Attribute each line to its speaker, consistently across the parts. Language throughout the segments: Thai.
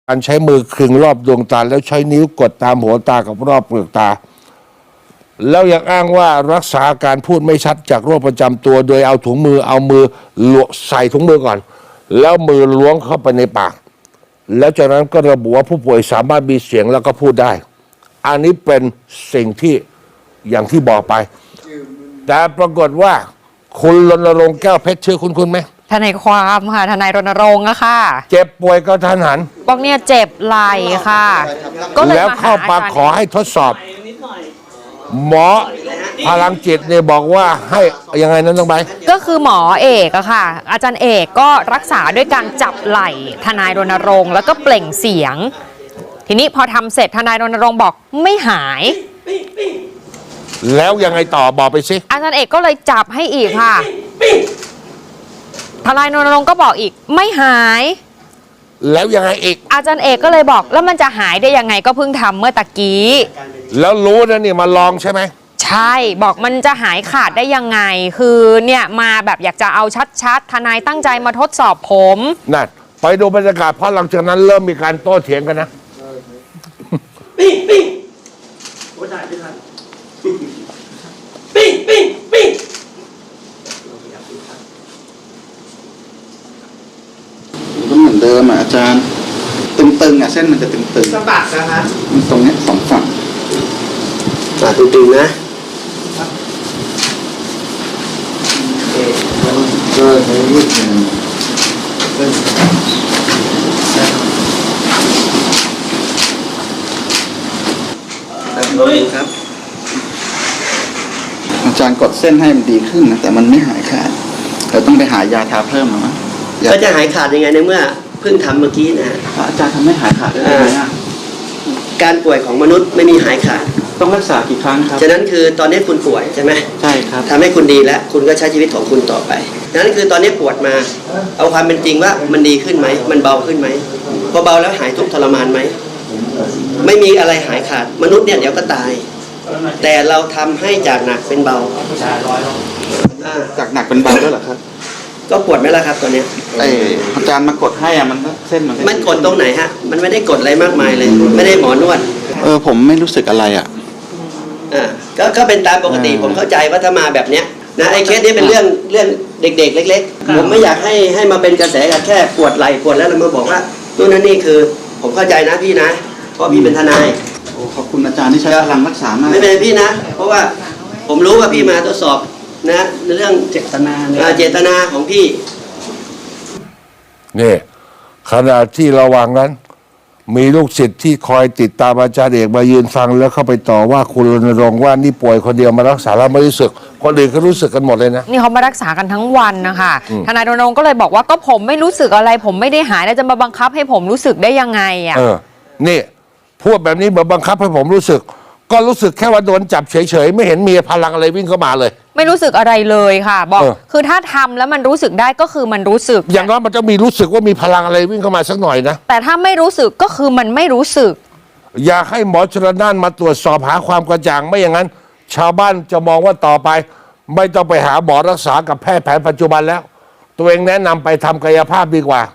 Speaker 1: การใช้มือคลึงรอบดวงตาแล้วใช้นิ้วกดตามหัวตากับรอบเปลือกตาแล้วยังอ้างว่ารักษาการพูดไม่ชัดจากโรคประจำตัวโดยเอาถุงมือใส่ถุงมือก่อนแล้วมือล้วงเข้าไปในปากแล้วจากนั้นก็ระบุว่าผู้ป่วยสามารถมีเสียงแล้วก็พูดได้อันนี้เป็นสิ่งที่อย่างที่บอกไปแต่ปรากฏว่าคุณรณรงค์แก้วเพชรชื่อคุณไหม
Speaker 2: ทนายความค่ะทนายรณรงค์อะค่ะ
Speaker 1: เจ็บป่วยก็ทันหัน
Speaker 2: บอกเนี่ยเจ็บไหล่ค่ะ
Speaker 1: ก็เลยแล้วเข้ามาขอให้ทดสอบหมอพลังจิตเนี่ยบอกว่าให้ยังไงนั้นต้องไป
Speaker 2: ก็คือหมอเอกอะค่ะอาจารย์เอกก็รักษาด้วยการจับไหล่ทนายรณรงค์แล้วก็เปล่งเสียงทีนี้พอทำเสร็จทนายรณรงค์บอกไม่หาย
Speaker 1: แล้วยังไงต่อบอกไปสิ
Speaker 2: อาจารย์เอกก็เลยจับให้อีกค่ะทนายรณรงค์ก็บอกอีกไม่หาย
Speaker 1: แล้วยังไงอีก
Speaker 2: อาจารย์เอกก็เลยบอกแล้วมันจะหายได้ยังไงก็เพิ่งทำเมื่อตะกี้
Speaker 1: แล้วรู้นะนี่มาลองใช่ไหม
Speaker 2: ใช่บอกมันจะหายขาดได้ยังไงคือเนี่ยมาแบบอยากจะเอาชัดๆทนายตั้งใจมาทดสอบผม
Speaker 1: นั่นไปดูบรรยากาศเพราะหลังจากนั้นเริ่มมีการโต้เถียงกันนะ
Speaker 3: ปิ้งปิ้งโอ้ได้ไม่ทันปิ้งปิ้งปิ้ง
Speaker 4: ก็เหมือนเดิมอ่ะอาจารย์ตึงๆอ่ะเส้นมันจะตึงๆ
Speaker 3: สะบัดนะฮะ
Speaker 4: มันตรงนี้สองฝั่ง
Speaker 3: ตึงๆนะ
Speaker 4: ก็ใช้ยืดหนึ่ง
Speaker 3: ครับ
Speaker 4: อาจารย์กดเส้นให้มันดีขึ้นนะแต่มันไม่หายขาดเราต้องไปหายาทาเพิ่มมั้ง
Speaker 3: ก็จะหายขาดยังไงในเมื่อเพิ่งทำเมื่อกี้นะ
Speaker 4: อาจารย์ทำให้หายขาดได้ไหม
Speaker 3: การป่วยของมนุษย์ไม่มีหายขาด
Speaker 4: ต้องรักษากี่ครั้งครับ
Speaker 3: ฉะนั้นคือตอนนี้คุณป่วยใช่ไหม
Speaker 4: ใช่ครับ
Speaker 3: ทำให้คุณดีแล้วคุณก็ใช้ชีวิตของคุณต่อไปนั้นคือตอนนี้ปวดมาเอาความเป็นจริงว่ามันดีขึ้นไหมมันเบาขึ้นไหมพอเบาแล้วหายทุกข์ทรมานไหมไม่มีอะไรหายขาดมนุษย์เนี่ยเดี๋ยวก็ตายแต่เราทำให้จากหนักเป็นเบา
Speaker 4: จากหนักเป็นเบาด้วยเหรอครับ
Speaker 3: ก็ปวดไหมล่ะครับตอนนี้
Speaker 4: อาจารย์มากดให้อะมันเส้น
Speaker 3: มันกดตรงไหนฮะมันไม่ได้กดอะไรมากมายเลยไม่ได้หมอนวด
Speaker 4: ผมไม่รู้สึกอะไรอะ
Speaker 3: ก็เป็นตามปกติผมเข้าใจว่าถ้ามาแบบเนี้ยนะไอ้เคสนี้เป็นเรื่องเด็กๆเล็กๆผมไม่อยากให้มาเป็นกระแสกันแค่ปวดไหล่ปวดแล้วเรามาบอกว่านู่นนั่นนี่คือผมเข้าใจนะพี่นะเพราะพี่เป็นทนาย
Speaker 4: ขอบคุณอาจารย์ที่ใช้พลังรักษามาก
Speaker 3: ไม่เป็นพี่นะเพราะว่าผมรู้ว่าพี่มาทดสอบนะในเรื่องเจตนาของพี่
Speaker 1: นี่ขณะที่ระหว่างนั้นมีลูกศิษย์ที่คอยติดตามอาจารย์เอกมายืนฟังแล้วเข้าไปต่อว่าคุณรณรงค์ว่านี่ป่วยคนเดียวมารักษาแล้วไม่รู้สึกคนอื่นก็รู้สึกกันหมดเลยนะ
Speaker 2: นี่เขามารักษากันทั้งวันนะคะทนายรณรงค์ก็เลยบอกว่าก็ผมไม่รู้สึกอะไรผมไม่ได้หายแล้วจะมาบังคับให้ผมรู้สึกได้ยังไงอ่ะ
Speaker 1: นี่พูดแบบนี้เหมือนบังคับให้ผมรู้สึกก็รู้สึกแค่ว่าโดนจับเฉยๆไม่เห็นมีพลังอะไรวิ่งเข้ามาเลย
Speaker 2: ไม่รู้สึกอะไรเลยค่ะบอกคือถ้าทำแล้วมันรู้สึกได้ก็คือมันรู้สึก
Speaker 1: อย่างน้อยมันจะมีรู้สึกว่ามีพลังอะไรวิ่งเข้ามาสักหน่อยนะ
Speaker 2: แต่ถ้าไม่รู้สึกก็คือมันไม่รู้สึก
Speaker 1: อยากให้หมอชลน่านมาตรวจสอบหาความกระจ่างไม่อย่างนั้นชาวบ้านจะมองว่าต่อไปไม่ต้องไปหาหมอรักษากับแพทย์แผนปัจจุบันแล้วตัวเองแนะนำไปทำกายภาพดีกว่า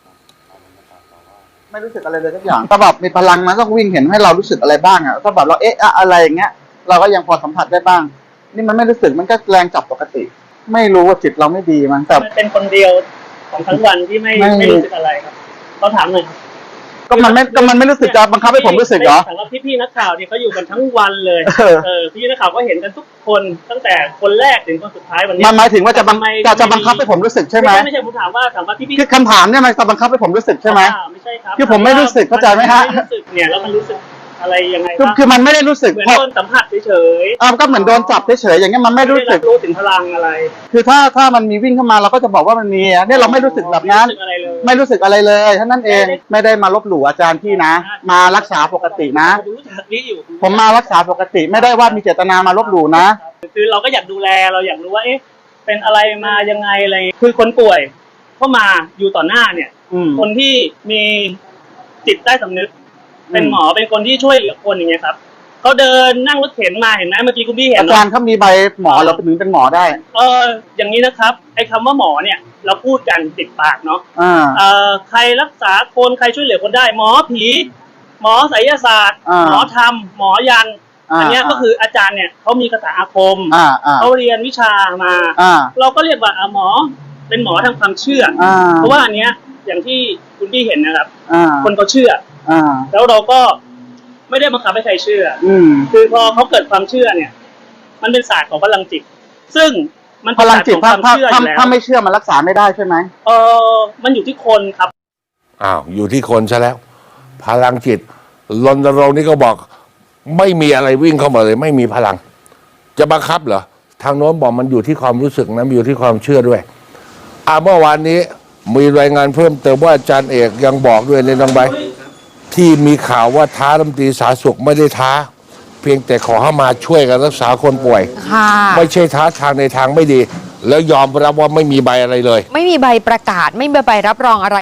Speaker 4: ไม่รู้สึกอะไรเลยทุกอย่างถ้าแบบมีพลังมันต้องวิ่งเห็นให้เรารู้สึกอะไรบ้างอ่ะถ้าแบบเราอะไรอย่างเงี้ยเราก็ยังพอสัมผัสได้บ้างนี่มันไม่รู้สึกมันก็แรงจับปกติไม่รู้ว่าจิตเราไม่ดีมั้งแต่
Speaker 5: เป็นคนเดียวของทั้งวันที่ไม่รู้สึกอะไรครับเขาถามหน่อย
Speaker 4: ก็มันไม่รู้สึกจะบังคับให้ผมรู้สึกเหรอ
Speaker 5: แต่ว่าพี่นักข่าวเนี่ยเขาอยู่กันทั้งวันเลยพี่นักข่าวก็เห็นกันทุกคนตั้งแต่คนแรกถึงคนสุดท้ายวันนี้
Speaker 4: มันหมายถึงว่าจะบังคับให้ผมรู้สึกใช่ไหม
Speaker 5: ไม่ใช่ผมถามว่าพี่
Speaker 4: คือคำถามเนี่ยมันจะบังคับให้ผมรู้สึกใช่ไหม
Speaker 5: ไม่ใช่ครับ
Speaker 4: คือผมไม่รู้สึกเข้าใจไหมฮะ
Speaker 5: รู้สึกเนี่ยแล้วมันรู้สึกอะไรยังไง
Speaker 4: คือมันไม่ได้รู้สึก
Speaker 5: เหมือนโดนสัมผัสเฉย
Speaker 4: ๆก็เหมือนโดนจับเฉยๆอย่างเงี้ยมันไม่รู้สึก
Speaker 5: รู้ถึงพลังอะไร
Speaker 4: คือถ้ามันมีวิ่งเข้ามาเราก็จะบอกว่ามันมีเนี่ยเราไม่รู้สึกแบบนั้นไม่รู้สึกอะไรเลยเท่านั้นเองไม่ได้มาลบหลู่อาจารย์พี่นะมารักษาปกตินะผมมารักษาปกติไม่ได้ว่ามีเจตนามาลบหลู่นะ
Speaker 5: คือเราก็อยากดูแลเราอยากรู้ว่าเป็นอะไรมายังไงอะไรคือคนป่วยเข้ามาอยู่ต่อหน้าเนี่ยคนที่มีจิตใต้สำนึกเป็นหมอเป็นคนที่ช่วยเหลือคนอย่างเงี้ยครับเขาเดินนั่งรถเข็นมาเห็นไหมเมื่อกี้คุณพี่เห็น
Speaker 4: อา
Speaker 5: เน
Speaker 4: จาร
Speaker 5: อะ
Speaker 4: ย์เขามีใบหมอเหราถึงเป็นหมอได้
Speaker 5: อย่างนี้นะครับไอ้คำว่าหมอเนี่ยเราพูดกันติดปากเนาะ ใครรักษาคนใครช่วยเหลือคนได้ หมอผีหมอไสยศาสตร์หมอธรรมหมอยันอันเนี้ยก็คืออาจารย์เนี่ยเขามีคาถาอาคมเขาเรียนวิชามาเราก็เรียกว่าหมอเป็นหมอทางความเชื่อเพราะว่าอันเนี้ยอย่างที่คุณพี่เห็นนะครับคนเขาเชื่อแล้วเราก็ไม่ได้บังคับให้ใครเชื่อคือพอเขาเกิดความเชื่อเนี่ยมันเป็นศาสตร์ของพลังจิตซึ่งมัน
Speaker 4: พลังจิต
Speaker 5: เป็นศาสตร์ของความเชื่ออยู่แล้ว
Speaker 4: ถ้าไม่เชื่อมันรักษาไม่ได้ใช่ไหม
Speaker 5: มันอยู่ที่คนครับ
Speaker 1: อ้าวอยู่ที่คนซะแล้ว พลังจิตรณรงค์นี่ก็บอกไม่มีอะไรวิ่งเข้ามาเลย ไม่มีพลัง จะบังคับเหรอทางโน้นบอกมันอยู่ที่ความรู้สึกนะมันอยู่ที่ความเชื่อด้วยเมื่อวานนี้มีรายงานเพิ่มเติมว่าอาจารย์เอกยังบอกด้วยในน้องใบที่มีข่าวว่าท้ารัฐมนตรีสาธารณสุขไม่ได้ท้า เพียงแต่ขอให้มาช่วยกันรักษาคนป่วย
Speaker 2: ค่ะ
Speaker 1: ไม่ใช่ท้าทางในทางไม่ดี แล้วยอมรับว่าไม่มีใบอะไรเลย
Speaker 2: ไม่มีใบประกาศไม่มีใบรับรองอะไร